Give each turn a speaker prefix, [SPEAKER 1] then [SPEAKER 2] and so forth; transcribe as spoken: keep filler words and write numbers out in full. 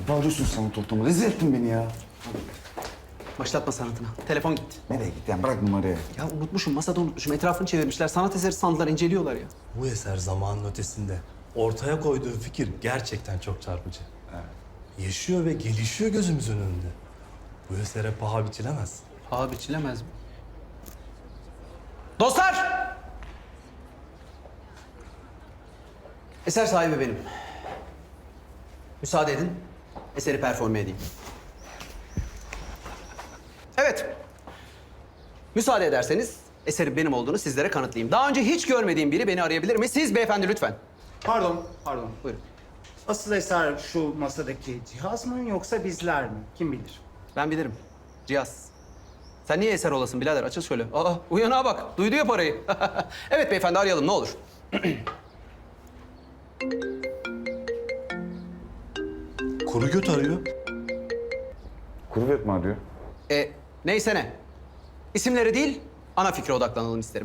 [SPEAKER 1] Ne bağırıyorsun sanat ortamı? Rezil ettin beni ya.
[SPEAKER 2] Başlatma sanatına. Telefon gitti.
[SPEAKER 1] Nereye gitti yani? Bırak numarayı.
[SPEAKER 2] Ya unutmuşum, masada unutmuşum. Etrafını çevirmişler. Sanat eseri sandılar, inceliyorlar ya.
[SPEAKER 3] Bu eser zamanın ötesinde. Ortaya koyduğu fikir gerçekten çok çarpıcı. Yaşıyor ve gelişiyor gözümüzün önünde. Bu esere paha biçilemez.
[SPEAKER 2] Paha biçilemez mi? Dostlar! Eser sahibi benim. Müsaade edin, eseri performe edeyim. Evet. Müsaade ederseniz eserin benim olduğunu sizlere kanıtlayayım. Daha önce hiç görmediğim biri beni arayabilir mi? Siz beyefendi lütfen.
[SPEAKER 4] Pardon, pardon.
[SPEAKER 2] Buyurun.
[SPEAKER 4] Asıl eser şu masadaki cihaz mı yoksa bizler mi? Kim bilir?
[SPEAKER 2] Ben bilirim. Cihaz. Sen niye eser olasın birader? Açıl şöyle. Aa, uyanağa bak. Duydu ya parayı. Evet beyefendi, arayalım ne olur.
[SPEAKER 3] Kuru göt arıyor.
[SPEAKER 1] Kuru mi arıyor?
[SPEAKER 2] E, neyse ne. İsimleri değil, ana fikre odaklanalım isterim.